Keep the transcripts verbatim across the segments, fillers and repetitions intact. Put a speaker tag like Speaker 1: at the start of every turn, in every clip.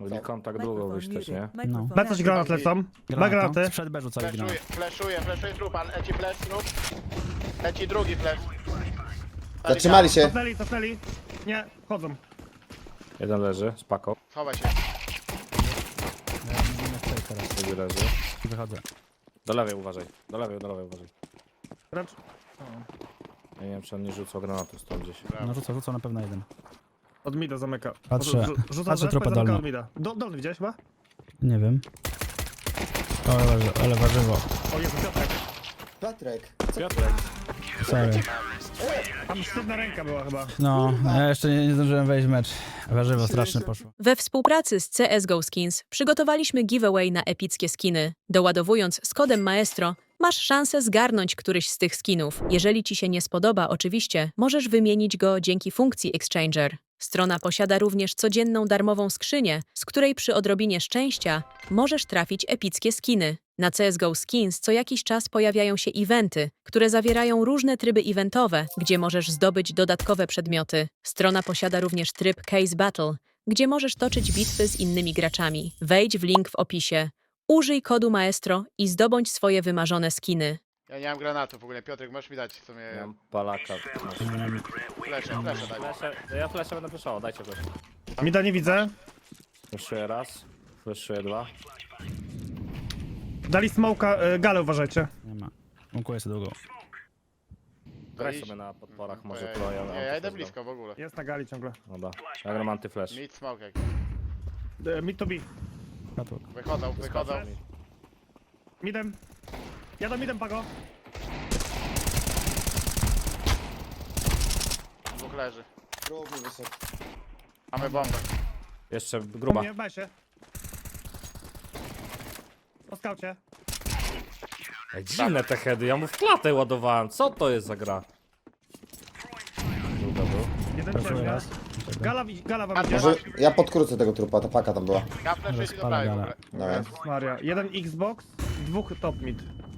Speaker 1: Mieli kontakt długo wyjść też, nie?
Speaker 2: No.
Speaker 3: B coś granat lecą. B granaty.
Speaker 2: Przed B rzucali granat.
Speaker 4: Fleszuję, fleszuję, fleszuję trupa, leci flash, trup. Leci drugi flash.
Speaker 5: Zatrzymali się.
Speaker 3: Cofnęli, cofnęli. Nie, chodzą.
Speaker 1: Jeden leży, z paką.
Speaker 4: Schowaj się.
Speaker 2: Ja nie wiem jak teraz.
Speaker 1: Drugi leży.
Speaker 2: Wychodzę.
Speaker 1: Do lewej uważaj, do lewej, do lewej uważaj.
Speaker 3: Racz.
Speaker 1: Ja nie wiem, czy on nie rzucał granatu stąd gdzieś.
Speaker 2: No rzucę, rzucę na pewno jeden.
Speaker 3: Od mida zamyka.
Speaker 2: Patrzę.
Speaker 3: Rzu- Rzuca
Speaker 2: Patrzę
Speaker 3: z
Speaker 2: trupę
Speaker 3: zamyka
Speaker 2: dolną.
Speaker 3: od mida. Do, dolny widziałeś chyba?
Speaker 2: Nie wiem. O, ale, warzywo, ale warzywo.
Speaker 3: O Jezu, Piotrek.
Speaker 5: Piotrek.
Speaker 1: Piotrek.
Speaker 2: Sorry.
Speaker 3: Tam sztywna ręka była chyba.
Speaker 2: No, ja jeszcze nie, nie zdążyłem wejść w mecz. Warzywo strasznie poszło.
Speaker 6: We współpracy z C S G O Skins przygotowaliśmy giveaway na epickie skiny. Doładowując z kodem Maestro, masz szansę zgarnąć któryś z tych skinów. Jeżeli ci się nie spodoba, oczywiście, możesz wymienić go dzięki funkcji Exchanger. Strona posiada również codzienną darmową skrzynię, z której przy odrobinie szczęścia możesz trafić epickie skiny. Na C S G O Skins co jakiś czas pojawiają się eventy, które zawierają różne tryby eventowe, gdzie możesz zdobyć dodatkowe przedmioty. Strona posiada również tryb Case Battle, gdzie możesz toczyć bitwy z innymi graczami. Wejdź w link w opisie. Użyj kodu Maestro i zdobądź swoje wymarzone skiny.
Speaker 4: Ja nie mam granatu w ogóle, Piotrek, możesz mi dać co mnie...
Speaker 1: Ja mam palaka.
Speaker 4: Flesze, flesze daj.
Speaker 1: Flesze, ja flesze będę fleszował, dajcie flesze.
Speaker 3: Mida nie widzę.
Speaker 1: Fleszuję raz, fleszuję dwa.
Speaker 3: Dali smoka, y, galę uważajcie.
Speaker 2: Nie ma. Łąkuję sobie długo.
Speaker 1: Graj
Speaker 4: iść?
Speaker 1: sobie na podporach, może
Speaker 4: Ojej,
Speaker 1: to ja
Speaker 4: Nie, ja idę blisko w ogóle.
Speaker 3: Jest na gali ciągle.
Speaker 1: Dobra, ja gram antyflash.
Speaker 4: Mid smoke jak.
Speaker 3: Y, Mid to B.
Speaker 2: Katłok.
Speaker 4: Wychodzą, wychodzą.
Speaker 3: Midem. Jadą midem, Pago.
Speaker 4: Dwóch leży.
Speaker 5: Próbuj wyszedł.
Speaker 4: Mamy bombę.
Speaker 1: Jeszcze gruba.
Speaker 3: Nie, baj się. Po skaucie.
Speaker 1: Ej, dziwne te heady, ja mu w klatę ładowałem. Co to jest za gra? Druga był.
Speaker 3: Jeden
Speaker 2: Proszę
Speaker 3: ciemnia.
Speaker 2: raz.
Speaker 3: Gala, wi- gala wam
Speaker 4: A,
Speaker 3: idzie.
Speaker 5: Może ja podkrócę tego trupa, ta paka tam była.
Speaker 4: Ja fleszę ci do prawej w ogóle.
Speaker 5: Dobra.
Speaker 3: Jezus Maria. Jeden Xbox, dwóch top mid.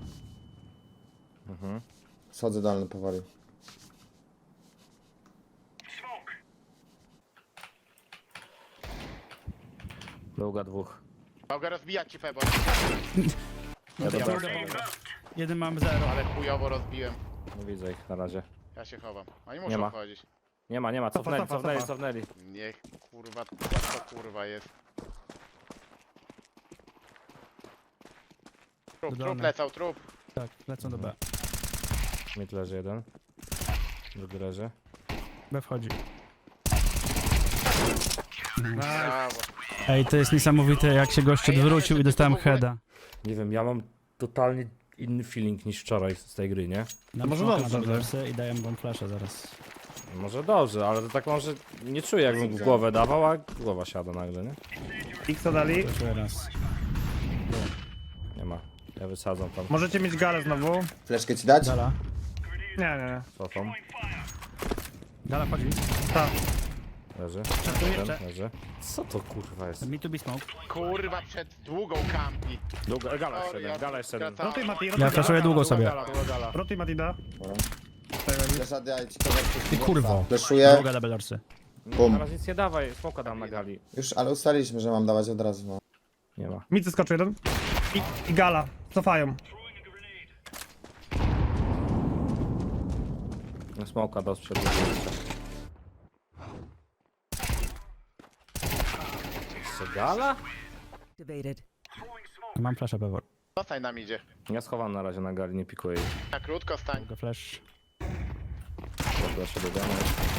Speaker 1: Mhm.
Speaker 5: Schodzę dolny powoli.
Speaker 1: Druga dwóch.
Speaker 4: Mogę rozbijać ci Febo,
Speaker 1: Ja dobra,
Speaker 2: Jeden mam zero.
Speaker 4: ale chujowo rozbiłem.
Speaker 1: nie widzę ich na razie.
Speaker 4: Ja się chowam. Oni
Speaker 1: Nie
Speaker 4: muszą
Speaker 1: ma.
Speaker 4: wchodzić.
Speaker 1: Nie ma, nie ma,
Speaker 3: Cofa,
Speaker 1: cofnęli,
Speaker 3: cofa,
Speaker 1: cofnęli,
Speaker 3: cofa.
Speaker 1: cofnęli.
Speaker 4: Niech kurwa, co to kurwa jest? Trup, trup
Speaker 2: Dodane.
Speaker 4: lecał, trup.
Speaker 2: Tak, lecą do B.
Speaker 1: Mid leży jeden. Drugi leży.
Speaker 2: B wchodzi.
Speaker 4: Brawo.
Speaker 2: Ej, to jest niesamowite, jak się gość
Speaker 4: Ej, ja
Speaker 2: odwrócił
Speaker 4: jeszcze
Speaker 2: i dostałem
Speaker 4: w ogóle-
Speaker 2: heada.
Speaker 1: Nie wiem, ja mam totalnie inny feeling niż wczoraj z tej gry, nie?
Speaker 2: Na
Speaker 3: może
Speaker 2: może
Speaker 3: dobrze,
Speaker 2: wersy i daję bomb flasha zaraz.
Speaker 1: Może dobrze, ale to tak może nie czuję jakbym w głowę dawał, a głowa siada nagle, nie?
Speaker 3: X dali.
Speaker 2: Proszę raz.
Speaker 1: Nie ma. Ja wysadzam tam.
Speaker 3: Możecie mieć galę znowu.
Speaker 5: Fleszkę ci dać?
Speaker 2: Gala.
Speaker 3: Nie, nie, nie.
Speaker 1: Cofam.
Speaker 2: Gala wchodzi.
Speaker 3: Tak.
Speaker 1: Leży.
Speaker 2: Tu
Speaker 1: Jeden,
Speaker 2: jeszcze.
Speaker 1: leży. Co to kurwa jest?
Speaker 2: Me to be smoke.
Speaker 4: Kurwa, przed długą kampi.
Speaker 1: Długa, gala jeszcze
Speaker 4: Sorry,
Speaker 1: jeden,
Speaker 4: ja
Speaker 1: gala jeszcze jeden.
Speaker 4: skracałem.
Speaker 3: Rotuj Mati,
Speaker 2: Ja
Speaker 3: rotuj
Speaker 2: flashuję
Speaker 3: gala.
Speaker 2: długo sobie.
Speaker 1: Gala, długa gala.
Speaker 3: Rotuj Matida.
Speaker 5: Dobra. Flesza daj ci kogoś.
Speaker 2: Ty kurwo.
Speaker 5: Fleszuję.
Speaker 2: Druga double dorsy.
Speaker 5: Bum.
Speaker 1: Na razie nic nie dawaj, smoka dam na gali.
Speaker 5: Już, ale ustaliliśmy, że mam dawać od razu. No.
Speaker 1: Nie ma.
Speaker 3: Mid zeskoczył jeden. I, I gala. Cofają.
Speaker 1: No, smoka do sprzedu. Jeszcze gala?
Speaker 2: Mam flasha pewor.
Speaker 4: Zostań nam idzie.
Speaker 1: Ja schowam na razie na gali, nie pikuję jej.
Speaker 4: Na krótko stań.
Speaker 2: Druga flash.
Speaker 1: Dobra, się dodamy.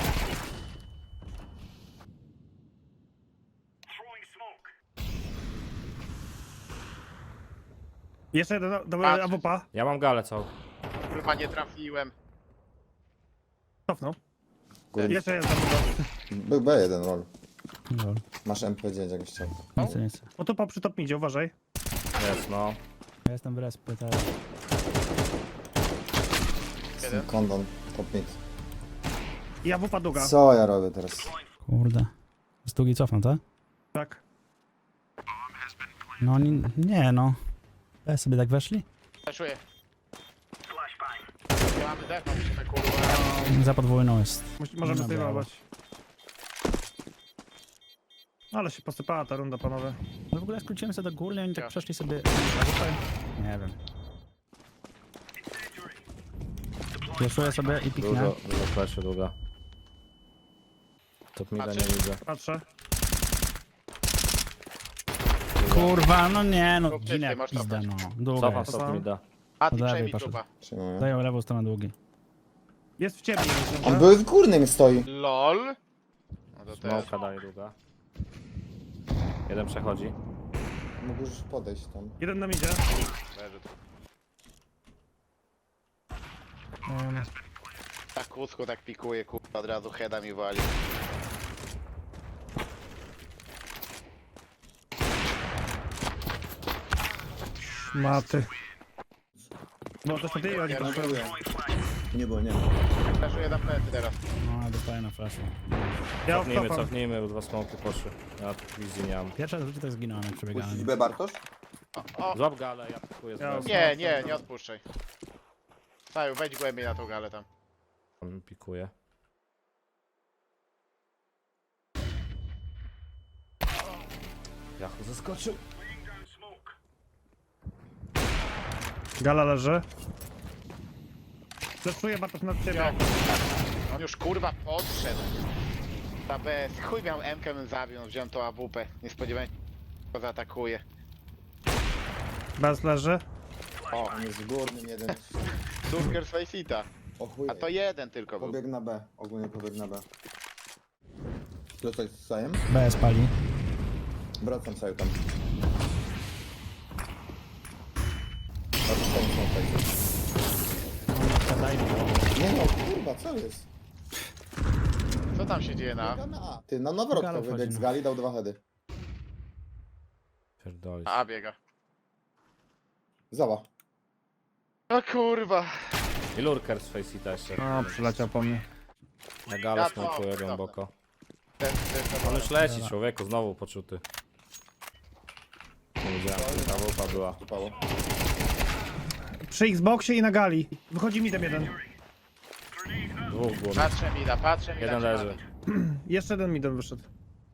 Speaker 3: Jeszcze jeden, do
Speaker 4: Patrz.
Speaker 3: A W P.
Speaker 1: Ja mam galę całą.
Speaker 4: Kurwa, nie trafiłem.
Speaker 3: Cofnął.
Speaker 5: Góry.
Speaker 3: Jeszcze jeden.
Speaker 5: Był B jeden roll.
Speaker 2: Lol.
Speaker 5: Masz M P dziewięć jak chciał.
Speaker 2: Nic, nic.
Speaker 3: O tu po przy top midzie, uważaj.
Speaker 1: Jest, no.
Speaker 2: Ja jestem w respy teraz.
Speaker 4: Jeden.
Speaker 5: Kondon, top mid.
Speaker 3: I A W P długa.
Speaker 5: Co ja robię teraz?
Speaker 2: Kurde. Z długi cofam, tak?
Speaker 3: Tak.
Speaker 2: No nie, nie no. E sobie tak weszli?
Speaker 4: Fleszuję. Ja mamy def, musimy kurwa.
Speaker 2: Za podwójną jest.
Speaker 3: Musi- Możemy
Speaker 2: No, brawo.
Speaker 3: zdejmować. Ale się posypała ta runda, panowie.
Speaker 2: No w ogóle skróciłem sobie do góry i oni tak
Speaker 4: Ja.
Speaker 2: przeszli sobie... Nie wiem. Pieszuję sobie i piknę.
Speaker 1: Dużo, dużo fleszy, długa. Top mida nie widzę.
Speaker 3: Patrzę.
Speaker 2: Kurwa, no nie, no
Speaker 4: Rób ty,
Speaker 2: ginę
Speaker 4: ty
Speaker 2: jak
Speaker 4: masz
Speaker 2: pizda,
Speaker 4: cofać.
Speaker 2: no. Długo
Speaker 1: Cofam
Speaker 2: jest.
Speaker 1: top mida.
Speaker 4: A ty
Speaker 2: Od lewej
Speaker 4: przejmij
Speaker 2: poszedł.
Speaker 4: trupa.
Speaker 5: Przyjmuję.
Speaker 2: Daję lewą stronę długi.
Speaker 3: Jest w ciemni.
Speaker 5: On
Speaker 3: On
Speaker 5: był w górnym stoi.
Speaker 4: LOL. No to teraz.
Speaker 1: Smoka daje długa. Jeden przechodzi.
Speaker 5: Mógł już podejść tam.
Speaker 3: Jeden nam idzie.
Speaker 4: Leży tu.
Speaker 3: Um,
Speaker 4: Tak kłódzko tak pikuje, kurwa, od razu heada mi wali.
Speaker 3: maty. No to ty oni
Speaker 4: Ja
Speaker 3: proszę.
Speaker 5: Nie było, nie.
Speaker 4: Flashuję na plecy teraz.
Speaker 2: No, dostaję na flashu.
Speaker 3: Ja
Speaker 1: Cofnijmy,
Speaker 3: odcofam.
Speaker 1: cofnijmy, bo dwa smoki poszły. Ja tu wizji nie mam.
Speaker 2: Pierwsze rzeczy to jest zginąłem jak przebiegałem.
Speaker 5: Puścić B, Bartosz?
Speaker 4: O, o.
Speaker 1: Złap galę, ja pikuję z
Speaker 3: Ja-
Speaker 1: bez.
Speaker 4: Nie, nie, nie odpuszczaj. Saju, wejdź głębiej na tą galę tam.
Speaker 1: Tam pikuję. Jachu zaskoczył.
Speaker 3: Gala leży. Fleszuję Bartosz nad ciebie.
Speaker 4: On już kurwa podszedł. Ta bez. Chuj miał M-kę, bym zabił, no, wziąłem tą A W P. Nie spodziewałem się, że go zaatakuje.
Speaker 3: Bez leży.
Speaker 4: O,
Speaker 5: On jest w górnym jeden.
Speaker 4: Dunker Faceta.
Speaker 5: O chuj.
Speaker 4: A to jeden tylko był.
Speaker 5: Pobiegł na B. Ogólnie pobiegł na B. Zostać z Sajem?
Speaker 2: B spali.
Speaker 5: Wracam Saju tam. A to Sajem są tutaj.
Speaker 2: Daj mi to.
Speaker 5: Nie no, kurwa, co jest?
Speaker 4: Co tam się dzieje na
Speaker 5: Biega na A. Ty, no na wrotko
Speaker 2: Gala
Speaker 5: wybiegł
Speaker 2: wchodzi,
Speaker 5: z
Speaker 2: no.
Speaker 5: gali, dał dwa heady.
Speaker 1: Pierdolisz.
Speaker 4: A, A biega.
Speaker 5: Zała.
Speaker 4: O kurwa.
Speaker 1: I lurker z Faceta jeszcze.
Speaker 3: O, przyleciał po mnie.
Speaker 1: Na galę
Speaker 4: Ja to-
Speaker 1: smokuję
Speaker 4: dobra.
Speaker 1: głęboko.
Speaker 4: Ten, ten, ten,
Speaker 1: On już leci, człowieku, znowu poczuty. Nie wiedziałem, że ta wupa była.
Speaker 5: Tupało.
Speaker 3: Przy Xboxie i na gali. Wychodzi mi ten jeden.
Speaker 1: Dwóch było.
Speaker 4: Patrzę mida, patrzę mida.
Speaker 1: Jeden
Speaker 4: trzeba
Speaker 1: leży.
Speaker 4: być.
Speaker 3: Jeszcze jeden mi ten wyszedł.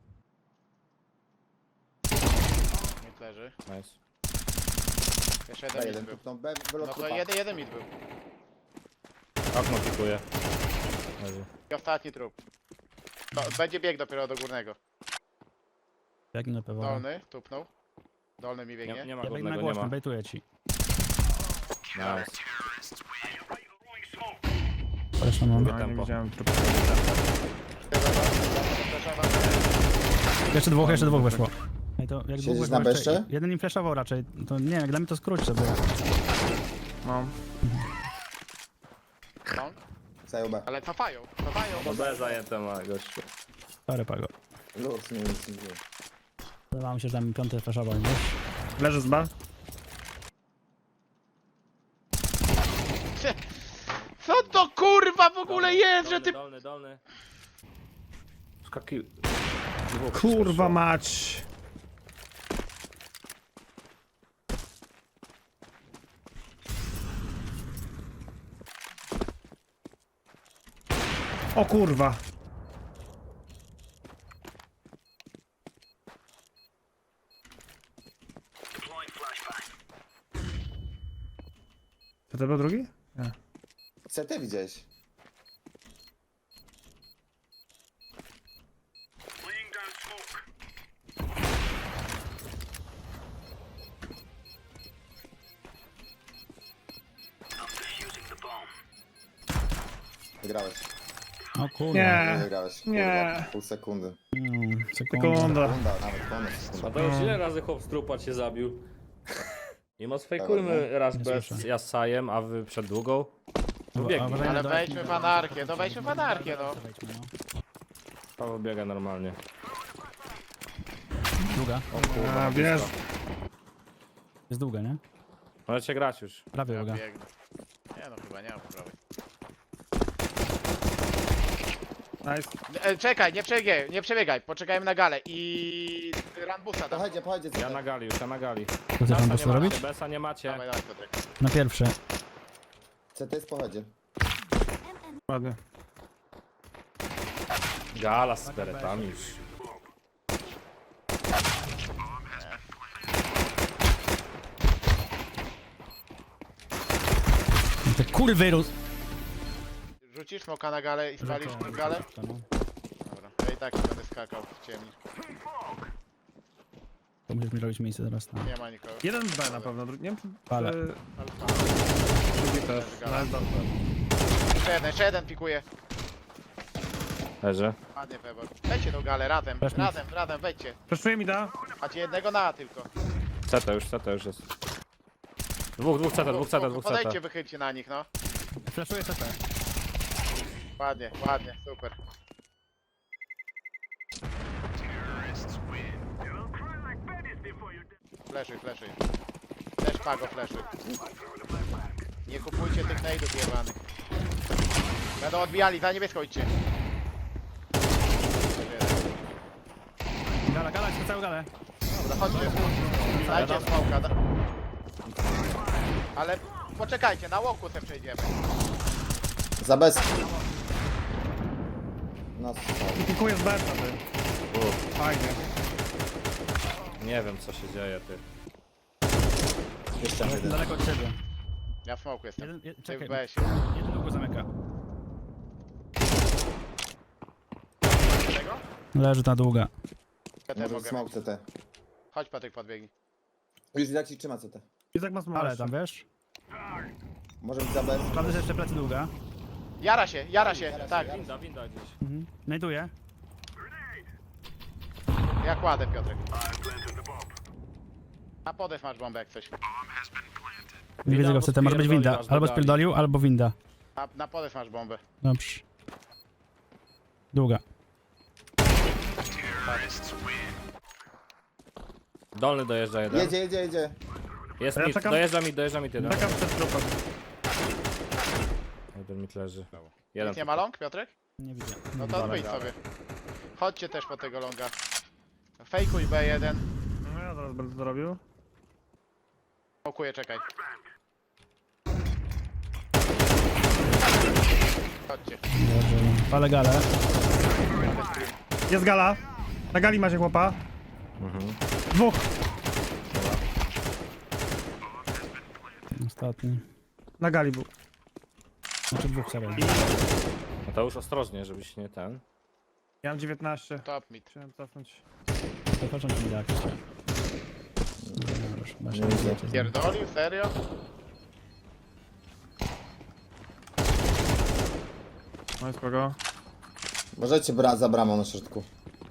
Speaker 4: Mid leży.
Speaker 1: Nice.
Speaker 4: Jeszcze
Speaker 5: B
Speaker 4: jeden
Speaker 5: jeden,
Speaker 4: mid był.
Speaker 5: tupnął B,
Speaker 4: No
Speaker 5: wylot
Speaker 4: to
Speaker 5: trupa.
Speaker 4: jeden, jeden mid był.
Speaker 1: Okno pikuje. Leży.
Speaker 4: I ostatni trup. To będzie bieg dopiero do górnego.
Speaker 2: Jak na pewno.
Speaker 4: Dolny, tupnął. Dolny mi
Speaker 1: Nie,
Speaker 4: biegnie.
Speaker 1: nie ma
Speaker 2: Ja biegnę na
Speaker 1: górnego, nie
Speaker 2: głośno,
Speaker 1: ma.
Speaker 2: bejtuję ci.
Speaker 1: Nice.
Speaker 2: Zresztą mam.
Speaker 3: No, nie
Speaker 1: tempo.
Speaker 3: widziałem trupu.
Speaker 2: Jeszcze dwóch, jeszcze dwóch weszło. Ej, to jak dwóch
Speaker 5: Siedzisz
Speaker 2: weszło
Speaker 5: na beszcze?
Speaker 2: Jeden im flashował raczej. To nie wiem, jak dla mnie to skróć sobie.
Speaker 3: No.
Speaker 4: No,
Speaker 5: Saju B.
Speaker 4: ale cofają, cofają.
Speaker 1: No B zajęte ma gościu.
Speaker 2: Sorry, Pago.
Speaker 5: Luz, nie nic nie dzieje.
Speaker 2: Wydawało mi się, że tam piąty flashował, wiesz?
Speaker 3: Leży z B.
Speaker 4: Co to kurwa w ogóle jest, że ty...
Speaker 1: Dolny, dolny. Skaki... Dwóch
Speaker 3: Kurwa
Speaker 1: przeszło.
Speaker 3: mać. O kurwa. To to był drugi? Nie.
Speaker 5: C T widziałeś? Wygrałeś.
Speaker 2: O kurde.
Speaker 3: Nie.
Speaker 5: Wygrałeś.
Speaker 3: Nie.
Speaker 5: Kurwa, pół sekundy.
Speaker 2: Mm, sekunda.
Speaker 3: Sekunda.
Speaker 5: Sekunda, nawet ponad
Speaker 1: A
Speaker 5: sekunda.
Speaker 1: to już ile razy chłop strupa cię zabił? Nie ma sfejkujmy raz
Speaker 2: Nie
Speaker 1: bez
Speaker 2: słyszę.
Speaker 1: Jasajem, a wy przed długą. Pobiegnij.
Speaker 2: uważaj na
Speaker 4: Ale
Speaker 2: dole.
Speaker 4: wejdźmy w anarchię, no wejdźmy w anarchię, no.
Speaker 2: Wejdźmy, no.
Speaker 1: Paweł biega normalnie.
Speaker 2: Długa.
Speaker 1: O kurwa,
Speaker 3: A, wiesz.
Speaker 2: Jest długa, nie?
Speaker 1: Możecie grać już.
Speaker 2: Prawie
Speaker 4: Ja
Speaker 2: długa.
Speaker 4: biegnę. Nie no, chyba nie mam prawej.
Speaker 3: Nice.
Speaker 4: E, czekaj, nie przebiegaj, nie przebiegaj, poczekajmy na galę i... Rambusa tam.
Speaker 5: Pochodźcie, pochodźcie,
Speaker 1: Ja
Speaker 5: C
Speaker 1: na
Speaker 5: T.
Speaker 1: gali już, ja na gali.
Speaker 2: Co chcesz tam
Speaker 1: Besa
Speaker 2: po
Speaker 1: nie
Speaker 2: prostu robić?
Speaker 1: macie, Besa nie macie.
Speaker 4: Dawaj, dawaj, Piotrek.
Speaker 2: Na pierwszy.
Speaker 5: C T jest pochodzie.
Speaker 3: Ładnie.
Speaker 1: Gala z peretami już.
Speaker 2: Kurwy, Rus.
Speaker 4: Rzucisz smoka na galę i spalisz
Speaker 2: Rzucę,
Speaker 4: galę?
Speaker 2: rzucę, no.
Speaker 4: Dobra, ja i tak nie będę skakał w ciemni.
Speaker 2: To musisz mi robić miejsce teraz na...
Speaker 4: Nie ma nikogo.
Speaker 3: Jeden B na pewno, drugi, nie wiem czy...
Speaker 2: Pale.
Speaker 3: czy-
Speaker 4: Alfa.
Speaker 3: Drugi też.
Speaker 4: Gala.
Speaker 3: No, dobra.
Speaker 4: Jeszcze jeden, jeszcze jeden pikuje.
Speaker 1: Leży.
Speaker 4: Ładnie Pebor. Wejdźcie tą galę razem,
Speaker 2: Weź mi.
Speaker 4: razem, razem, wejdźcie.
Speaker 3: Przeszuję mi da.
Speaker 4: Macie jednego na tylko.
Speaker 1: C T już, C T już jest. Dwóch, dwóch C T, dwóch C T, dwóch C
Speaker 4: Podejdźcie,
Speaker 1: T.
Speaker 4: wychylcie na nich, no.
Speaker 2: Flashuję C T.
Speaker 4: Ładnie, ładnie, super. Fleszuj, fleszuj. Też pago, fleszuj. Nie kupujcie tych nade'ów jebanych. Będą odbijali, za niebieską idźcie.
Speaker 2: Gala, gala, chcę całą galę.
Speaker 4: Dobra, chodźcie. Dajcie smoka. Da... Ale poczekajcie, na łoku se przejdziemy.
Speaker 5: Za bez. No,
Speaker 3: I pikuję z B, ty.
Speaker 1: Uff,
Speaker 3: Fajnie.
Speaker 1: nie wiem co się dzieje, ty.
Speaker 5: jeszcze
Speaker 2: Jestem
Speaker 5: jeden.
Speaker 2: daleko od ciebie.
Speaker 4: Ja w smoku jestem.
Speaker 2: Jeden, je,
Speaker 4: Ty w
Speaker 2: czekaj,
Speaker 4: B sie.
Speaker 2: jeden długo zamyka.
Speaker 4: Czego?
Speaker 2: Leży ta długa.
Speaker 4: Ja też
Speaker 5: Może
Speaker 4: mogę.
Speaker 5: smoke C T.
Speaker 4: Chodź Patryk, podbiegnij.
Speaker 5: Już jak ci trzyma C T.
Speaker 3: Izak ma smoke.
Speaker 2: Ale tam, wiesz?
Speaker 5: Może być za bez.
Speaker 2: Prawda, że jeszcze plecy długa.
Speaker 4: Jara się, jara się, tak.
Speaker 1: Winda, winda gdzieś.
Speaker 2: Mhm. Znajduję.
Speaker 4: Ja kładę Piotrek. A podew masz bombę jak coś.
Speaker 2: Nie widzę go w C T, może być winda.
Speaker 1: spierdolił aż do
Speaker 2: Albo
Speaker 1: gali.
Speaker 2: spierdolił, albo winda.
Speaker 4: A na podew masz bombę.
Speaker 2: Dobrze. Długa.
Speaker 1: Dolny dojeżdża jeden.
Speaker 5: Jedzie, jedzie, jedzie.
Speaker 1: Jest
Speaker 3: Ja
Speaker 1: mit,
Speaker 3: czekam-
Speaker 1: dojeżdża mi, dojeżdża mi jeden.
Speaker 3: Czekam przed trupem.
Speaker 1: Jeden mit leży. Jeden.
Speaker 4: Nikt nie ma long, Piotrek?
Speaker 2: Nie widzę.
Speaker 4: No
Speaker 2: Nie
Speaker 4: to
Speaker 2: widzę.
Speaker 4: wyjdź sobie. Chodźcie też po tego longa. Fejkuj B jeden.
Speaker 3: No ja zaraz będę to robił.
Speaker 4: Smokuję, czekaj. Chodźcie.
Speaker 2: Dobrze. Palę galę.
Speaker 3: Jest gala. Na gali macie chłopa.
Speaker 1: Mhm.
Speaker 3: Dwóch.
Speaker 2: Ostatni.
Speaker 3: Na gali był.
Speaker 2: Znaczy dwóch serii.
Speaker 1: No to już ostrożnie, żebyś nie ten.
Speaker 3: Ja mam dziewiętnaście.
Speaker 4: Top mid.
Speaker 3: Chciałem cofnąć.
Speaker 2: To patrzą ci mi jakieś. Chyba się
Speaker 5: Nie widzę.
Speaker 2: nie
Speaker 4: Pierdolił? Serio?
Speaker 3: No jest kogo?
Speaker 5: Możecie brać za bramą na środku.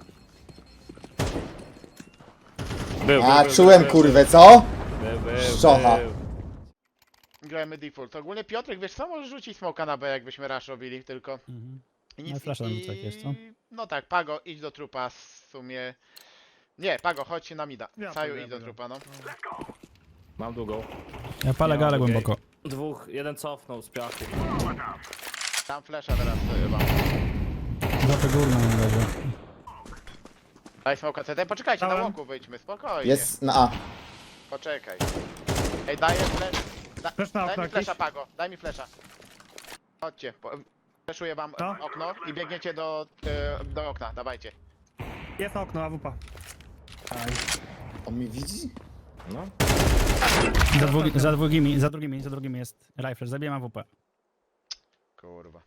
Speaker 1: Był,
Speaker 5: A,
Speaker 1: był,
Speaker 5: czułem
Speaker 1: był,
Speaker 5: kurwę, co?
Speaker 1: Był, był,
Speaker 5: Szczocha.
Speaker 1: był.
Speaker 4: Grajmy default. Ogólnie Piotrek, wiesz co? Możesz rzucić smoka na B, jakbyśmy rush robili, tylko...
Speaker 2: Mhm.
Speaker 4: I
Speaker 2: No i flasha tam tak jest, co?
Speaker 4: No tak, Pago, idź do trupa w sumie... Nie, Pago, chodź na mida.
Speaker 3: Ja
Speaker 4: Saju,
Speaker 3: pójdę,
Speaker 4: idź do
Speaker 3: pójdę.
Speaker 4: trupa, no.
Speaker 1: Mam długą.
Speaker 2: Ja palę
Speaker 1: Nie ma
Speaker 2: galę
Speaker 1: drugiej.
Speaker 2: głęboko.
Speaker 1: Dwóch, jeden cofnął z piachu.
Speaker 4: Tam flesza teraz to chyba.
Speaker 2: Zapę górną nie leży.
Speaker 4: Daj smoka C T, poczekajcie, na
Speaker 3: Dałem.
Speaker 4: łoku wyjdźmy, spokojnie.
Speaker 5: Jest na A.
Speaker 4: Poczekaj. Ej, daję flash. Da,
Speaker 3: Flash na
Speaker 4: daj
Speaker 3: okno
Speaker 4: mi flesza,
Speaker 3: jakiś?
Speaker 4: Pago, daj mi flesza. Chodźcie, po, fleszuję wam
Speaker 3: Co?
Speaker 4: okno i biegniecie do, y, do okna, dawajcie.
Speaker 3: Jest okno, A W P.
Speaker 5: On mnie widzi?
Speaker 1: No.
Speaker 2: Za, dwugi, za drugimi, za drugimi, za drugimi jest rifle. Zabijam A W P.
Speaker 4: Kurwa.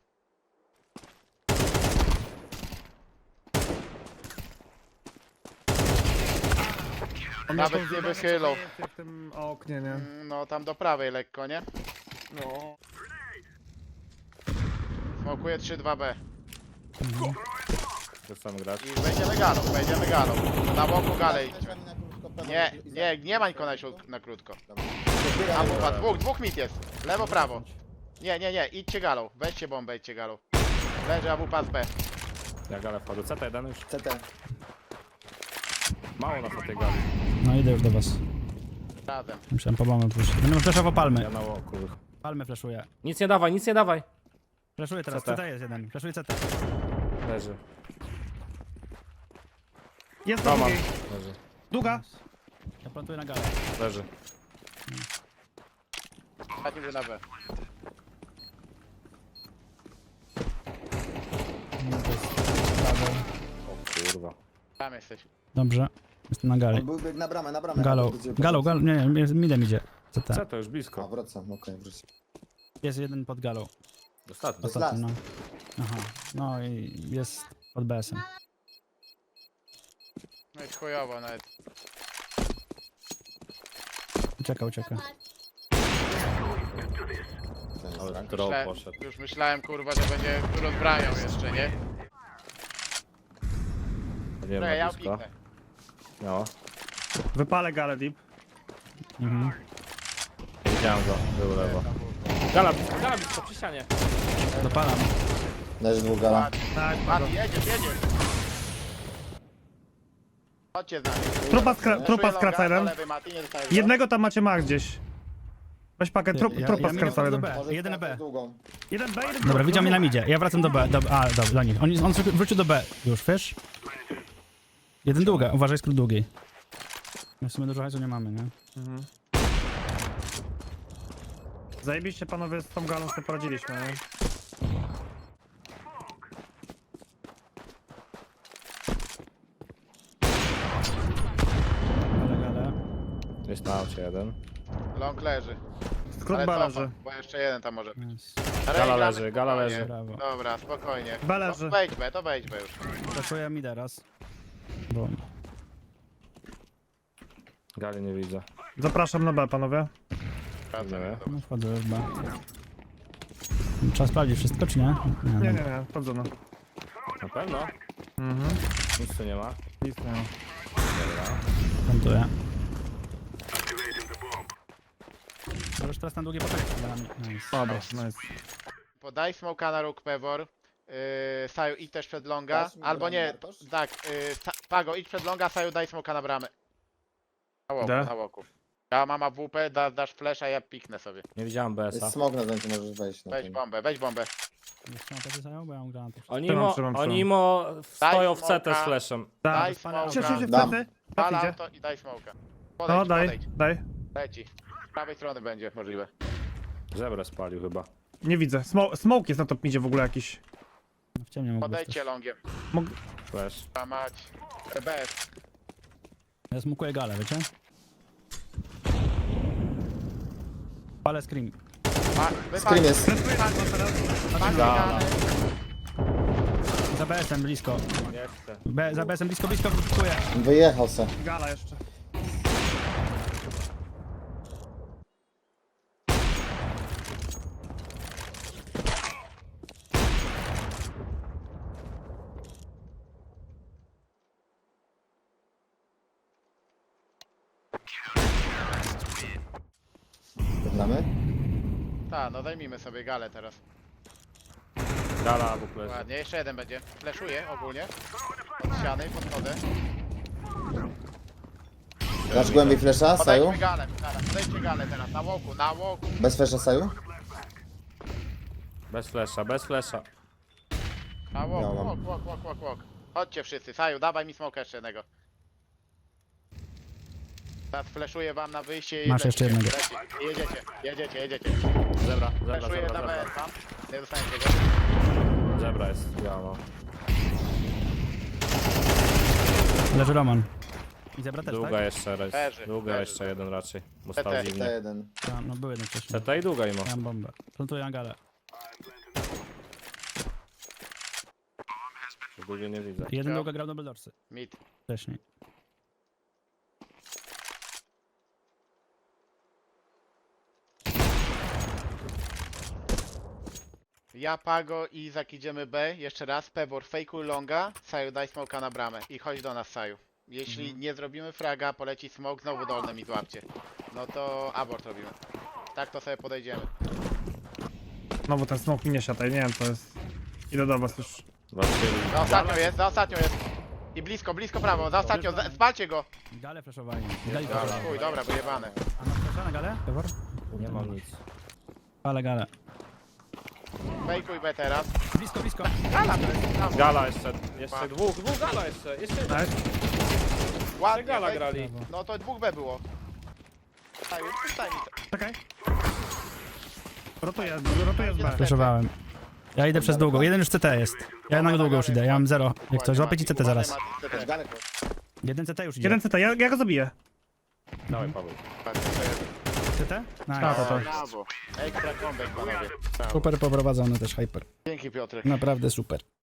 Speaker 3: On
Speaker 4: Nawet
Speaker 3: miał
Speaker 4: nie
Speaker 3: zjebane
Speaker 4: wychylał.
Speaker 3: przejęcie w tym oknie, nie?
Speaker 4: Mm, No tam do prawej lekko, nie?
Speaker 3: No.
Speaker 4: Smokuję trzy dwa B.
Speaker 1: Chcę grać.
Speaker 4: I wejdziemy galą, wejdziemy galą. Na boku galę idźmy. Nie, nie, nie ma nikogo na, środ- na krótko. A bufa, dwóch, dwóch mit jest. Lewo, prawo. Nie, nie, nie, idźcie galą. Weźcie bombę, idźcie galą. Leży A W P z B.
Speaker 1: Ja galę wpadł. C T jeden już.
Speaker 5: C T.
Speaker 1: Mało nas na tej gali.
Speaker 2: No idę już do was.
Speaker 4: Razem.
Speaker 2: Musiałem po bombę pójść. Będę flashował palmy.
Speaker 1: Ja na łoku.
Speaker 2: Palmy flashuję.
Speaker 1: Nic nie dawaj, nic nie dawaj.
Speaker 2: Flashuję teraz.
Speaker 1: C T.
Speaker 2: C T jest jeden. Flashuję C T.
Speaker 1: Leży.
Speaker 3: Jest na
Speaker 1: Roman.
Speaker 3: drugiej.
Speaker 1: Leży.
Speaker 3: Długa.
Speaker 2: Ja plantuję na galę.
Speaker 1: Leży.
Speaker 4: Ostatni był na B.
Speaker 2: Nie, to jest prawo.
Speaker 1: O kurwa.
Speaker 4: Tam jesteś.
Speaker 2: Dobrze. Jestem na gali.
Speaker 5: On był bieg na bramę, na bramę.
Speaker 2: Galą.
Speaker 5: Gdzie-
Speaker 2: Galą, galą. Nie, nie, midem idzie. C T.
Speaker 1: C T już
Speaker 5: A,
Speaker 1: blisko.
Speaker 5: wracam, okej, wróć.
Speaker 2: Jest jeden pod galą.
Speaker 1: Ostatni.
Speaker 5: Jest
Speaker 2: Ostatni, no.
Speaker 5: last.
Speaker 2: Aha. No i jest pod B S-em.
Speaker 4: No i chujowo nawet.
Speaker 2: Ucieka, ucieka.
Speaker 1: Ale drop
Speaker 4: Myślałem,
Speaker 1: poszedł.
Speaker 4: już myślałem kurwa, że będzie rozbrają jeszcze, nie?
Speaker 1: Nie
Speaker 4: Czekaj, ja
Speaker 1: ma blisko.
Speaker 4: piknę.
Speaker 1: No,
Speaker 3: Wypalę galę deep.
Speaker 2: Mhm.
Speaker 1: widziałem go, był lewo. Gala, blisko, gala blisko, przy ścianie.
Speaker 2: Dopalam.
Speaker 5: Leży dwóch gala.
Speaker 4: Mati,
Speaker 3: Tak,
Speaker 4: Mati, jedziesz, jedziesz. Chodźcie z nami.
Speaker 3: Trupa, skra
Speaker 4: Czuję
Speaker 3: trupa
Speaker 4: longa,
Speaker 3: skraca
Speaker 4: do
Speaker 3: jeden.
Speaker 4: lewej, Mati, nie dostajesz go.
Speaker 3: Jednego tam macie ma gdzieś. Weź pakę, tru
Speaker 2: Ja-
Speaker 3: trupa
Speaker 2: ja
Speaker 3: skraca
Speaker 2: minę
Speaker 3: jeden.
Speaker 2: do B.
Speaker 5: Może
Speaker 2: Jeden
Speaker 5: skracać
Speaker 2: B.
Speaker 5: długą.
Speaker 3: Jeden B, jeden
Speaker 2: Dobra,
Speaker 3: B.
Speaker 2: widział mnie na midzie. Ja wracam do B. Do, a, dobra, dla nich. On, on wrócił do B już, wiesz? Jeden długa. Uważaj, skrót długiej. My w sumie dużo hajsu nie mamy, nie?
Speaker 3: Zajebiście panowie z tą galą sobie poradziliśmy, nie?
Speaker 2: Ale, gale.
Speaker 1: Jest na aucie jeden.
Speaker 4: Long leży.
Speaker 3: Skrót
Speaker 4: Ale
Speaker 3: B
Speaker 4: cofa,
Speaker 3: leży.
Speaker 4: bo jeszcze jeden tam może.
Speaker 2: Jest.
Speaker 4: Ale
Speaker 1: Gala
Speaker 4: gramy
Speaker 1: leży, gala
Speaker 4: spokojnie.
Speaker 1: leży.
Speaker 2: Brawo.
Speaker 4: Dobra, spokojnie.
Speaker 3: B leży.
Speaker 4: No, wejdź B, to wejdź B już.
Speaker 2: Zaszuję mi teraz. Bo
Speaker 1: Gali nie widzę.
Speaker 3: Zapraszam na B, panowie.
Speaker 4: Wracam,
Speaker 1: Nie.
Speaker 2: no, wchodzę już B. Trzeba sprawdzić wszystko, czy nie?
Speaker 3: Nie,
Speaker 2: Nie,
Speaker 3: nie,
Speaker 2: nie.
Speaker 3: nie, wchodzono.
Speaker 1: Na pewno?
Speaker 3: Mhm.
Speaker 1: Nic tu nie ma.
Speaker 3: Nic nie ma.
Speaker 2: Plantuję. Możesz teraz na długie poczekać. Nice.
Speaker 3: Dobra, nice.
Speaker 4: Podaj smoka na róg Pewor. Yy, Saju idź też przed longa.
Speaker 5: Dasz mi
Speaker 4: Albo
Speaker 5: bramę,
Speaker 4: nie,
Speaker 5: Bartosz?
Speaker 4: tak, yy, Sa- Pago idź przed longa, Saju daj smoka na bramę. Na łoku,
Speaker 3: Da?
Speaker 4: na łoku. Ja mam A W P, da, dasz flasha, ja piknę sobie.
Speaker 1: Nie widziałem B S a.
Speaker 5: Jest smog na zdjęciu, możesz wejść na
Speaker 4: Weź
Speaker 5: tym.
Speaker 4: bombę, weź bombę.
Speaker 2: Jeszcze mam powiedzieć, bo ja mam granatów.
Speaker 1: Oni
Speaker 3: Trzymam,
Speaker 1: mo,
Speaker 3: trzymam,
Speaker 1: oni
Speaker 3: trzymam.
Speaker 1: mo stoją w C T z
Speaker 4: smoka.
Speaker 1: flashem.
Speaker 4: Daj
Speaker 3: Tak.
Speaker 4: smoka.
Speaker 3: Cię, cię, cię,
Speaker 5: Dam.
Speaker 3: wtedy.
Speaker 4: Pal
Speaker 3: Tak idzie.
Speaker 4: auto i daj smoka. Podejdź,
Speaker 3: No, daj,
Speaker 4: podejdź.
Speaker 3: daj.
Speaker 4: Leci. Z prawej strony będzie możliwe.
Speaker 1: Żebrę spalił chyba.
Speaker 3: Nie widzę. Smo smoke jest na top midzie w ogóle jakiś.
Speaker 2: W ciemnie mógł być
Speaker 4: Podejdźcie
Speaker 2: też.
Speaker 4: longiem.
Speaker 3: Mog
Speaker 1: Flash.
Speaker 4: A mać. B S.
Speaker 2: Ja smukuję galę, wiecie? Palę scream.
Speaker 4: Ma,
Speaker 5: Scream jest.
Speaker 1: Gala.
Speaker 2: Za B S-em blisko.
Speaker 1: Nie chcę.
Speaker 2: B, za B S-em blisko, blisko, smukuję.
Speaker 5: Wyjechał se.
Speaker 3: gala jeszcze.
Speaker 5: Znamy?
Speaker 4: Tak, no zajmijmy sobie galę teraz.
Speaker 1: Gala w ogóle.
Speaker 4: Ładnie, jeszcze jeden będzie. Fleszuję ogólnie. Od ściany, podchodzę.
Speaker 5: Dasz głębiej flesza, Saju?
Speaker 4: Podejdźmy galę, galę. Podejdźcie galę teraz, na łoku, na łoku.
Speaker 5: Bez flesza, Saju?
Speaker 1: Bez flasha, bez flasha.
Speaker 4: Na
Speaker 5: Ja
Speaker 4: łoku,
Speaker 5: mam.
Speaker 4: łok, łok, łok, łok, łok. Chodźcie wszyscy, Saju, dawaj mi smoka jeszcze jednego. Teraz fleszuję wam na wyjście i
Speaker 2: Masz jeszcze
Speaker 4: lecicie,
Speaker 2: jednego.
Speaker 4: lecicie. Jedziecie, jedziecie, jedziecie.
Speaker 1: Zebra, zebra,
Speaker 4: Fleszuję
Speaker 1: zebra,
Speaker 4: na B S
Speaker 1: zebra.
Speaker 4: wam. Nie dostaniecie go.
Speaker 1: Zebra jest, ja mam.
Speaker 2: Leży Roman. I zebra też,
Speaker 1: Długa
Speaker 2: tak?
Speaker 1: jeszcze raz.
Speaker 4: Leży,
Speaker 1: Długa
Speaker 4: leży.
Speaker 1: jeszcze jeden raczej. Bo
Speaker 4: T T.
Speaker 1: stał
Speaker 5: T
Speaker 1: dziwnie.
Speaker 5: jeden.
Speaker 2: Ja, no był jeden wcześniej.
Speaker 1: C T i długa imo.
Speaker 2: Ja mam bombę. Plantuję na galę.
Speaker 1: Długie nie widzę.
Speaker 2: Jeden
Speaker 4: Ja.
Speaker 2: długa grał Double Doorsy.
Speaker 4: Mid.
Speaker 2: Wcześniej.
Speaker 4: Ja, Pago i Izak idziemy B. Jeszcze raz. Pebor, fejkuj longa. Saju, daj smoka na bramę. I chodź do nas, Saju. Jeśli
Speaker 2: Mhm.
Speaker 4: nie zrobimy fraga, poleci smok, znowu dolne mi złapcie. No to abort robimy. Tak to sobie podejdziemy.
Speaker 3: No bo ten smoke mi nie siataj, nie wiem co jest. Idę do was już.
Speaker 1: Zobaczcie.
Speaker 4: Za ostatnią jest, za ostatnią jest. I blisko, blisko prawo, za ostatnią, za- spalcie go.
Speaker 2: Galę flashowali. Gali
Speaker 4: Dobra,
Speaker 2: flashowali.
Speaker 4: chuj, dobra, wyjebane.
Speaker 2: A masz flasha na galę? Pewor?
Speaker 1: Nie mam nic.
Speaker 2: Ale galę.
Speaker 4: Fejkuj B teraz.
Speaker 2: Blisko, blisko.
Speaker 4: Gala to jest, tam.
Speaker 1: Gala jeszcze, jeszcze dwóch, dwóch gala jeszcze, jeszcze jeden.
Speaker 3: Nice.
Speaker 4: Ładnie,
Speaker 1: Gala
Speaker 4: wej-
Speaker 1: grali.
Speaker 4: No to dwóch B było. Saju, przestań mi to.
Speaker 3: Czekaj. Rotuję, rotuję z B.
Speaker 2: Flashowałem. Ja idę przez długą. Jeden już C T jest. Ja na długo już idę. Ja mam zero. Jak coś, złapię ci C T zaraz.
Speaker 4: Ładnie, Mati, C T.
Speaker 5: Galę po-
Speaker 2: Jeden C T już idzie.
Speaker 3: Jeden C T, ja, ja go zabiję.
Speaker 1: Dawaj Paweł.
Speaker 4: Patrz, to jest.
Speaker 2: Ty Nice.
Speaker 3: Ta, ta, ta.
Speaker 4: Brawo. Ekstra comeback, panowie.
Speaker 2: Super poprowadzony też Hyper.
Speaker 4: Dzięki, Piotrek.
Speaker 2: Naprawdę super.